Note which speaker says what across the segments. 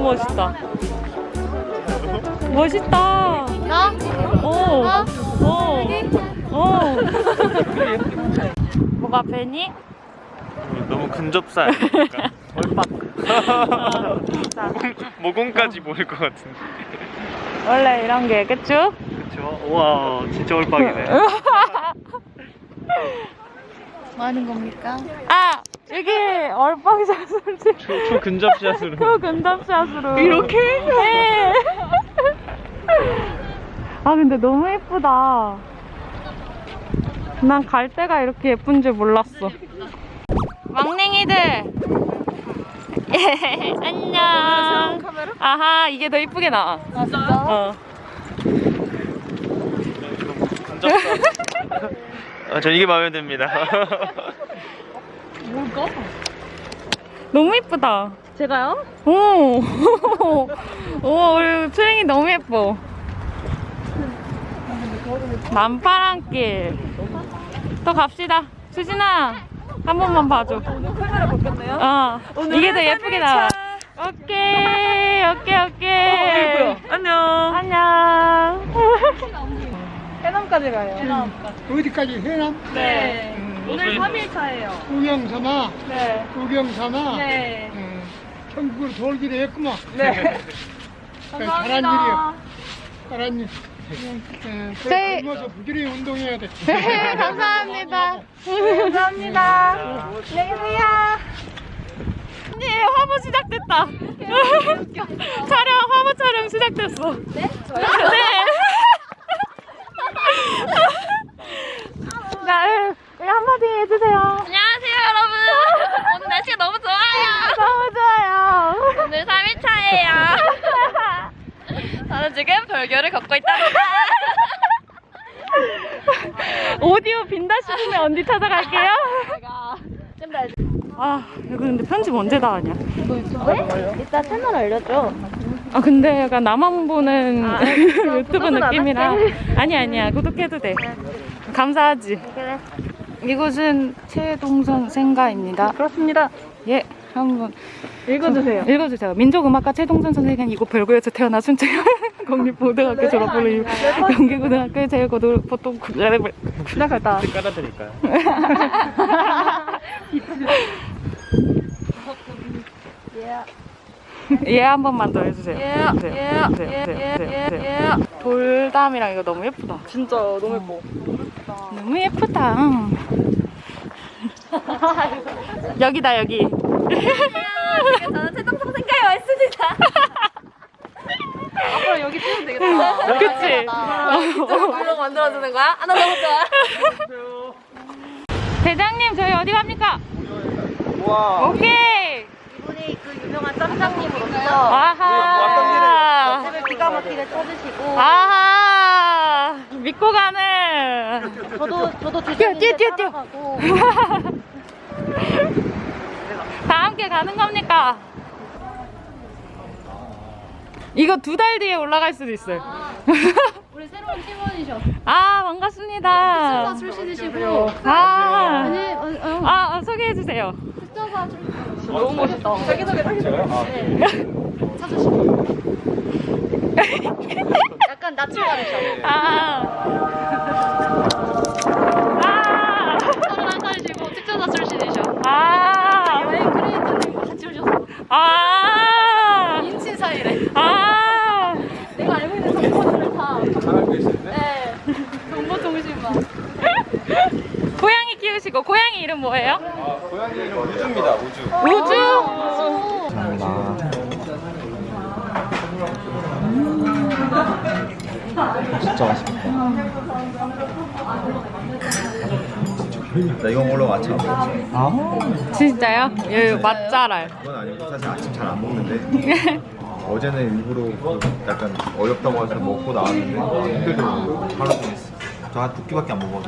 Speaker 1: 멋있다. 멋있다.
Speaker 2: 나?
Speaker 1: 오. 오. 뭐가 배니?
Speaker 3: 너무 근접사 아닙니까? 얼빡. 모공까지 보일 것 같은데.
Speaker 1: 원래 이런 게 그쵸?
Speaker 3: 그쵸? 우와, 진짜 얼빡이네.
Speaker 2: 뭐 하는 겁니까?
Speaker 1: 아! 여기 얼빵샷을
Speaker 3: 초근접샷으로.
Speaker 1: 초근접샷으로
Speaker 3: 이렇게?
Speaker 1: 네. 아 근데 너무 예쁘다. 난 갈 데가 이렇게 예쁜 줄 몰랐어. 막냉이들 예, 안녕. 아하, 이게 더 이쁘게 나와.
Speaker 2: 아 진짜?
Speaker 3: 저 이게 마음에 듭니다.
Speaker 2: 뭘까?
Speaker 1: 너무 예쁘다.
Speaker 2: 제가요?
Speaker 1: 오, 오, 우리 트랭이 너무 예뻐. 남파랑길. 또 갑시다. 수진아, 한 번만 봐줘.
Speaker 2: 오늘 카메라 바뀌었네요?
Speaker 1: 이게 더 예쁘게 나와. 오케이.
Speaker 3: 예뻐요. 안녕.
Speaker 1: 안녕.
Speaker 2: 해남까지 가요. 해남까지.
Speaker 4: 어디까지 해남?
Speaker 2: 네. 오늘 3일차예요.
Speaker 4: 구경 삼아,
Speaker 2: 네.
Speaker 4: 구경 삼아.
Speaker 2: 네.
Speaker 4: 천국으로 돌기로 했구만.
Speaker 2: 네.
Speaker 4: 잘한 일이야. 잘한 일.
Speaker 1: 저희-
Speaker 4: 젊어서 부지런히 운동해야 돼.
Speaker 1: 감사합니다.
Speaker 2: 감사합니다. 안녕히 계세요.
Speaker 1: 언니, 화보 시작됐다. 촬영, 화보 촬영 시작됐어.
Speaker 2: 네? 저요?
Speaker 1: 네. 자, 한마디 해주세요.
Speaker 2: 안녕하세요, 여러분. 오늘 날씨가 너무 좋아요.
Speaker 1: 너무 좋아요.
Speaker 2: 오늘 3일차예요. 저는 지금 벌교를 걷고 있답니다.
Speaker 1: 오디오 빈다 싶으면 언니 찾아갈게요.
Speaker 2: 제가
Speaker 1: 아, 이거 근데 편집 언제 다 하냐?
Speaker 2: 왜? 이따 채널 알려줘.
Speaker 1: 아, 근데 약간 나만 보는 유튜브
Speaker 2: 구독은 안
Speaker 1: 느낌이라.
Speaker 2: 할게.
Speaker 1: 아니야. 구독해도 돼. 감사하지.
Speaker 2: 그래.
Speaker 1: 이곳은 최동선 생가입니다.
Speaker 2: 그렇습니다.
Speaker 1: 예, 한번
Speaker 2: 읽어주세요.
Speaker 1: 읽어주세요. 민족음악가 최동선 선생은 이곳 별구에서 태어나 순천 공립고등학교 졸업을 이후 경기고등학교 제일고등 보통
Speaker 2: 시작할다.
Speaker 3: 깔아드릴까요?
Speaker 1: 예, 한 번만 더 해주세요.
Speaker 2: 예.
Speaker 1: 돌담이랑 이거 너무 예쁘다.
Speaker 2: 진짜 너무 예뻐.
Speaker 1: 너무 예쁘다. 여기다, 여기.
Speaker 2: 저는 최동성 생가에 와 있습니다. 앞으로 여기 찍으면 되겠다.
Speaker 1: 그치?
Speaker 2: 이쪽으로 블로그 만들어주는 거야? 아, 나 너무 좋아.
Speaker 1: 대장님, 저희 어디 갑니까?
Speaker 3: 와.
Speaker 1: 오케이.
Speaker 2: 이분이 그 유명한 짬장님으로서
Speaker 1: 아하.
Speaker 2: 집을 기가 막히게 찾으시고
Speaker 1: 아하. 믿고 가는.
Speaker 2: 저도
Speaker 1: 뛰어.
Speaker 2: 따라가고
Speaker 1: 다 함께 가는 겁니까? 이거 2달 뒤에 올라갈 수도 있어요.
Speaker 2: 우리 새로운 팀원이셔.
Speaker 1: 아, 반갑습니다.
Speaker 2: 특전사 출신이시고
Speaker 1: 소개해주세요.
Speaker 2: 특전사 출신. 너무 멋있다. 자기소개 찾으시고 약간 낯을 가리셔. 서른 한 살이시고 특전사 출신이셔. 여행 크리에이터님과 같이 오셨어. 인친 사이래. 내가 알고 있는 정보들을 다. 네. 정보통신만.
Speaker 1: 고양이 키우시고, 고양이 이름 뭐예요?
Speaker 3: 고양이 이름 우주입니다, 우주.
Speaker 1: 우주?
Speaker 5: 진짜 맛있겠다. 나 이거 먹으려고 아침 안 먹었어.
Speaker 1: 진짜요? 여기 맛잘알.
Speaker 5: 그건 아니고 사실 아침 잘 안 먹는데 어제는 일부러 약간 어렵다고 해서 먹고 나왔는데 힘들더라고. 하루 종일 있어. 저 한 2끼밖에 안 먹어서.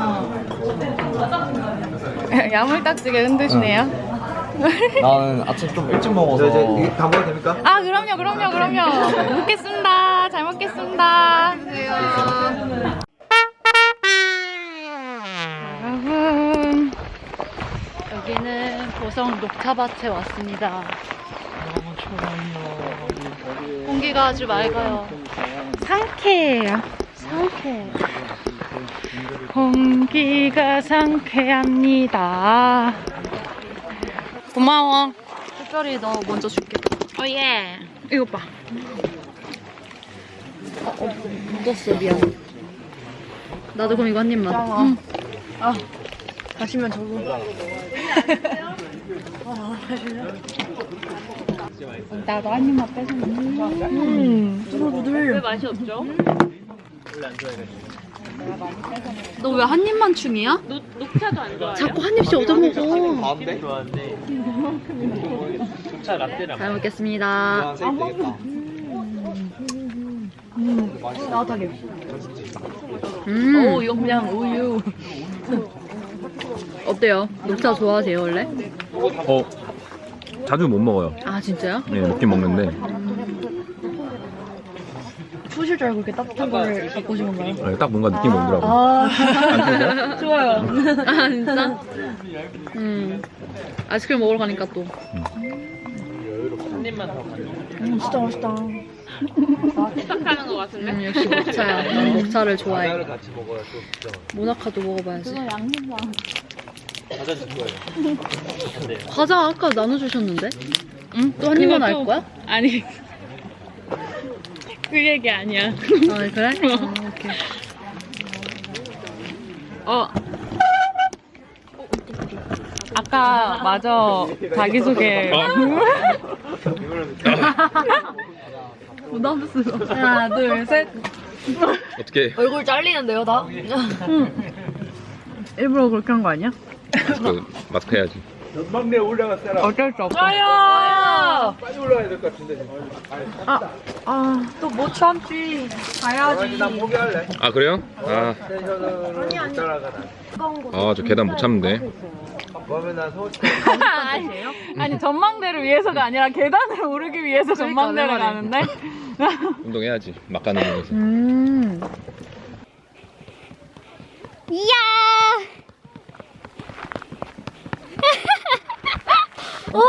Speaker 1: 야물딱지게 흔드시네요.
Speaker 5: 나는 아침 좀 일찍 먹어서. 이제 이게 다 먹어도 됩니까?
Speaker 1: 아, 그럼요. 먹겠습니다. 잘 먹겠습니다. 여러분,
Speaker 2: 여기는 보성 녹차밭에 왔습니다.
Speaker 3: 너무 좋아요.
Speaker 2: 공기가 아주 맑아요.
Speaker 1: 상쾌해요. 공기가 상쾌합니다. 고마워.
Speaker 2: 특별히 너 먼저 줄게.
Speaker 1: 예. 이거 봐.
Speaker 2: 묻었어, 미안. 나도 그럼 이거 한 입만. 응.
Speaker 1: 가시면 저거. 나도 한 입만 뺏으면.
Speaker 2: 왜 맛이 없죠? 너 왜 한 입만 충이야?
Speaker 3: 녹차도 안 좋아해요?
Speaker 2: 자꾸 한 입씩 얻어먹어.
Speaker 5: 가운데?
Speaker 3: 좋아하는데 녹차 라떼랑
Speaker 2: 잘 먹겠습니다. 오, 이거 그냥 우유. 어때요? 녹차 좋아하세요, 원래?
Speaker 6: 자주 못 먹어요.
Speaker 2: 아, 진짜요?
Speaker 6: 네, 먹긴 먹는데
Speaker 2: 추우실 줄 알고 이렇게 따뜻한 거를 갖고 오신 건가요?
Speaker 6: 딱 뭔가 느낌이 오더라고. 안
Speaker 2: 좋아요. 아, 진짜? 아이스크림 먹으러 가니까 또.
Speaker 3: 한 입만 더 가져.
Speaker 2: 진짜 맛있다. 착하는 것 같은데? 역시 녹차야. 난 녹차를 좋아해.
Speaker 3: 과자를 같이 먹어야 또 진짜
Speaker 2: 모나카도 먹어봐야지.
Speaker 3: 과자 줄 거예요. 안 돼요.
Speaker 2: 과자 아까 나눠주셨는데? 응? 또 한 입만 할 거야?
Speaker 1: 아니. 그 얘기 아니야.
Speaker 2: 아, 그래? 오케이.
Speaker 1: 아까 마저 자기소개.
Speaker 2: 부담스러워. 하나, 둘, 셋.
Speaker 6: 어떻게
Speaker 2: 얼굴 잘리는데요, 다?
Speaker 1: 일부러 그렇게 한 거 아니야?
Speaker 6: 마스크 해야지.
Speaker 3: 전망대 올라갔잖아.
Speaker 1: 어쩔 수 없어.
Speaker 3: 빨리 올라가야 될 것 같은데.
Speaker 2: 또 못 참지. 가야지.
Speaker 3: 난 포기할래.
Speaker 6: 아 그래요?
Speaker 3: 텐션으로 못 따라가나.
Speaker 6: 저 계단 못 참는데.
Speaker 3: 그러면 난 서울
Speaker 1: 아니 전망대를 위해서가 아니라 계단을 오르기 위해서 전망대를 가는데.
Speaker 6: 운동해야지. 막가는 중에서.
Speaker 1: 이야. 오.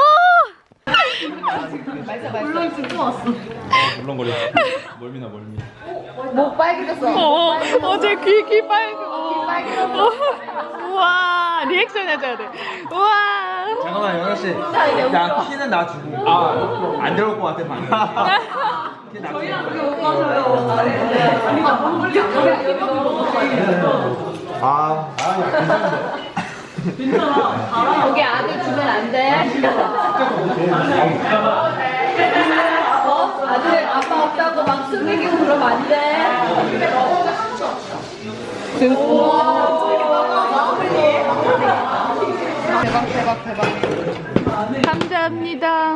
Speaker 6: 물렁거려. 멀미나 멀미.
Speaker 1: 어제 귀 빨개졌어. 우와 리액션 해줘야 돼. 우와.
Speaker 3: 잠깐만 영현 씨. 나 키는 나 주고. 안 들어올 것 같아 방금.
Speaker 2: 거기 아들 주면 안 돼. 아들 아빠 없다고 막 숨기고 그러면 안 돼.
Speaker 1: 감사합니다.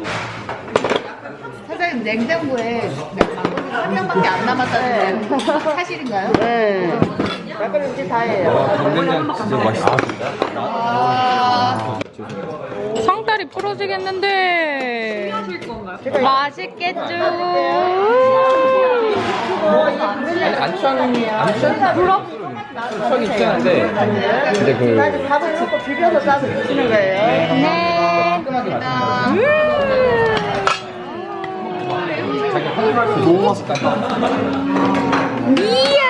Speaker 7: 사장님 냉장고에 막걸리 한 명밖에 안 남았다는데 사실인가요? 네. 막걸리 이제 다예요.
Speaker 3: 된장 진짜 맛있어.
Speaker 1: 상다리 부러지겠는데. 맛있겠죠.
Speaker 3: 추억이 있었는데
Speaker 6: 근데 그
Speaker 7: 밥을 넣고 비벼서 싸서 드시는 거예요.
Speaker 1: 네.
Speaker 3: 너무 맛있다.
Speaker 1: 이야.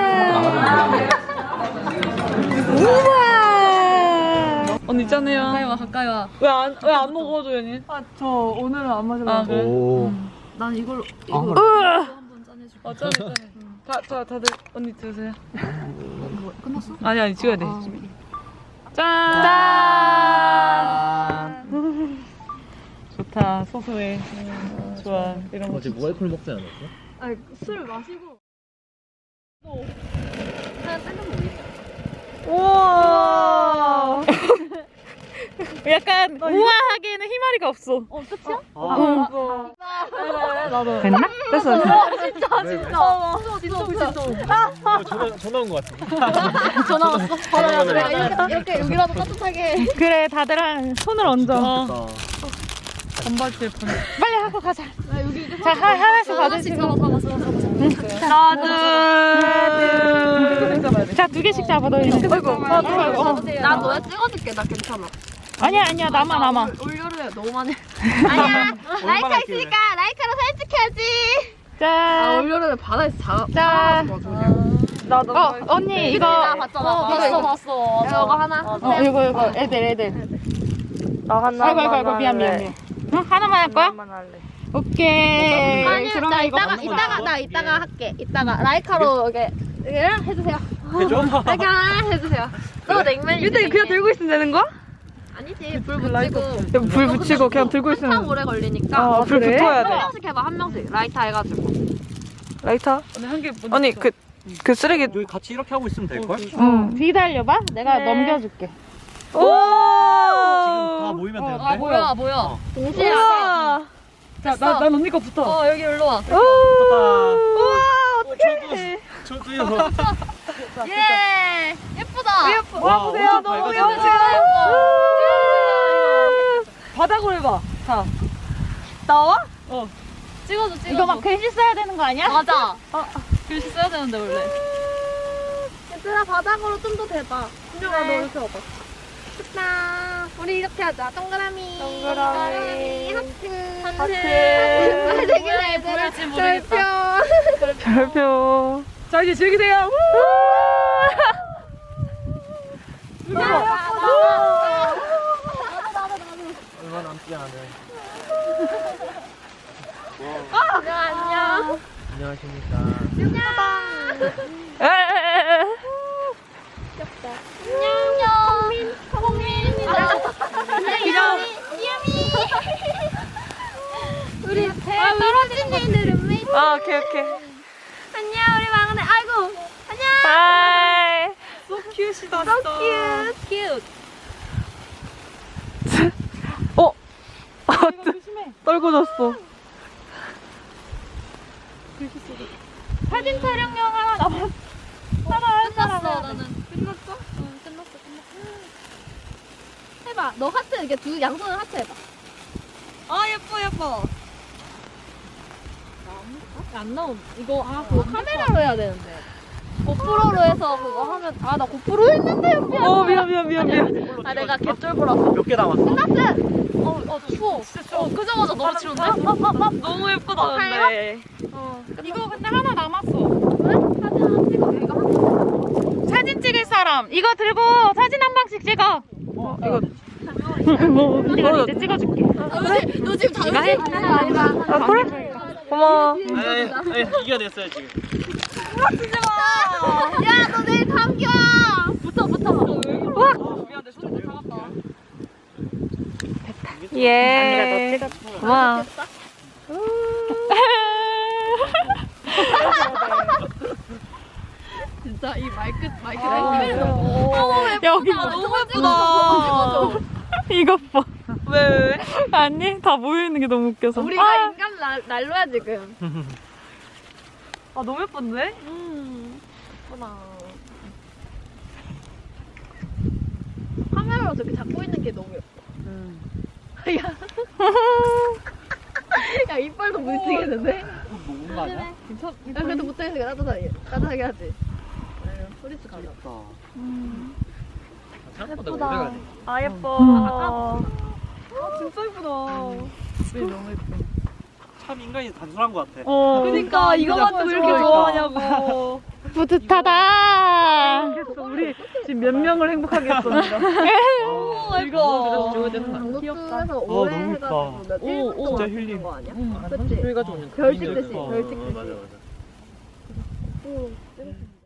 Speaker 1: 우와. 언니 있잖아요.
Speaker 2: 가까이 와, 가까이 와.
Speaker 1: 왜 안 먹어줘, 언니? 저 오늘은 안 마셔. 아, 그래?
Speaker 2: 난 이걸로
Speaker 1: 으아.
Speaker 2: 한번 짠해줄게.
Speaker 1: 짠해. 다들 언니 드세요. 끝났어? 아니 찍어야 돼. 짠. 좋다. 소소해. 좋아. 이런 거.
Speaker 3: 어제 무알콜 먹지 않았어?
Speaker 2: 아니, 술 마시고. 하나 딴거 모르겠어.
Speaker 1: 우와. 약간 우아하게는 희마리가 없어.
Speaker 2: 끝이야?
Speaker 1: 나도. 됐나? 됐어.
Speaker 2: 진짜.
Speaker 3: 전화 온 것 같아.
Speaker 2: 전화 왔어? 이렇게 여기라도 따뜻하게.
Speaker 1: 그래, 다들 손을 얹어. 건발질 뻔. 빨리 하고 가자. 자, 하나씩 받으시고. 하나, 둘. 자, 2개씩 잡아. 너 이제.
Speaker 2: 나 너야 찍어줄게. 나 괜찮아.
Speaker 1: 아니야 남아.
Speaker 2: 올여름에 너무 많이.
Speaker 7: 아니야. 라이카 있으니까 라이카로 사진 찍혀야지.
Speaker 1: 자,
Speaker 2: 올여름에 바다에서
Speaker 1: 자. 언니 이거.
Speaker 2: 봤어. 저거 하나.
Speaker 1: 이거 애들. 아이고 미안. 응? 하나만 할 거야? 오케이.
Speaker 7: 아니,
Speaker 1: 그러면
Speaker 7: 나
Speaker 1: 이거
Speaker 7: 이따가 할게. 이따가 라이카로 이렇게 해주세요.
Speaker 3: 해줘?
Speaker 7: 라이카 해주세요. 또 냉면.
Speaker 2: 유대 그냥 들고 있으면 되는 거야?
Speaker 7: 아니지, 불 붙이고.
Speaker 1: 불 붙이고 그냥 들고
Speaker 7: 한참
Speaker 1: 있으면.
Speaker 7: 오래 걸리니까.
Speaker 1: 불 붙어야
Speaker 7: 한 명씩 해봐, 한 명씩. 라이터 해가지고.
Speaker 1: 라이터? 언니 그 쓰레기.
Speaker 3: 여기 같이 이렇게 하고 있으면 될걸?
Speaker 1: 응. 기다려봐. 내가 넘겨줄게. 오.
Speaker 3: 지금 다 모이면 되는데?
Speaker 2: 뭐야.
Speaker 7: 동시에
Speaker 1: 난 언니 거 붙어.
Speaker 2: 여기 일로 와.
Speaker 3: 저도요.
Speaker 7: 예! 예쁘다!
Speaker 3: 와, 보세요. 너무
Speaker 1: 바닥으로 해봐. 자.
Speaker 2: 찍어줘.
Speaker 1: 이거 막 글씨 써야 되는 거 아니야?
Speaker 2: 맞아. 글씨 써야 되는데 원래.
Speaker 7: 얘들아, 바닥으로 좀 더 대봐. 준영아, 너 이렇게 와봐. 좋다. 우리 이렇게 하자. 동그라미. 하트. 되게 얘들아. 별표.
Speaker 1: 별표. 자 이제 즐기세요.
Speaker 3: 얼마 남지 않은.
Speaker 7: 안녕.
Speaker 3: 안녕하십니까.
Speaker 7: 우리 떨어진 애들 룸메이트.
Speaker 1: 오케이.
Speaker 7: 안녕, 우리 막내. 아이고. 안녕.
Speaker 1: 바이.
Speaker 7: 큐트.
Speaker 1: 떨궈졌어.
Speaker 7: 사진 촬영용 하나 남았어.
Speaker 2: 끝났어 나는.
Speaker 7: 끝났어. 해봐. 너 하트 이렇게 두 양손을 하트 해봐.
Speaker 2: 예뻐. 안 나옴. 이거
Speaker 7: 그거 카메라로 해야 되는데. 고프로로 해서 그거 하면 나 고프로 했는데
Speaker 1: 미안.
Speaker 7: 내가 개쫄보라서.
Speaker 3: 몇 개 남았어?
Speaker 2: 추워. 끄자마자 너무 추운데? 너무 예쁘다 근데.
Speaker 1: 이거 근데 하나 남았어.
Speaker 7: 사진 하나 찍어. 이거 한
Speaker 1: 사진 찍을 사람 이거 들고 사진 한 방씩 찍어. 이거 이제 찍어줄게.
Speaker 7: 너 지금 다
Speaker 1: 해?
Speaker 7: 아니다.
Speaker 1: 그래? 고마워.
Speaker 3: 이겨냈어요, 지금.
Speaker 7: 야, 너 내일 감기 와. 붙어.
Speaker 2: 미안해 손을 잡았다.
Speaker 1: 예. 고마워.
Speaker 2: 진짜 이 마이크
Speaker 1: 여기
Speaker 2: 너무 예쁘다.
Speaker 1: 이것 봐. 왜? 아니 다 모여 있는 게 너무 웃겨서.
Speaker 7: 우리가 인간 난로야 지금.
Speaker 2: 너무 예쁜데?
Speaker 7: 카메라로 저렇게 잡고 있는 게 너무 예뻐. 야, 이빨도 뭉치겠는데?
Speaker 3: 녹은 거 아니야?
Speaker 7: 야, 그래도 못하겠으니까 따뜻하게 하지. 소리도 가려.
Speaker 3: 생각보다 오래 가네.
Speaker 1: 예뻐.
Speaker 2: 진짜 예쁘다.
Speaker 3: 참 인간이 단순한 것 같아.
Speaker 2: 그러니까 이거 가지고 이렇게 좋아하냐고.
Speaker 1: 뿌듯하다.
Speaker 2: 우리 지금 몇 명을 행복하게 했었는데. 이거
Speaker 7: 강북에서 오래
Speaker 3: 너무
Speaker 7: 해가지고
Speaker 3: 예쁘다.
Speaker 7: 며칠
Speaker 3: 진짜
Speaker 7: 동안
Speaker 3: 힐링.
Speaker 7: 거 아니야?
Speaker 3: 한
Speaker 7: 그치?
Speaker 3: 30초 해가지고
Speaker 7: 별찍 듯이, 별찍 듯이.
Speaker 3: 맞아.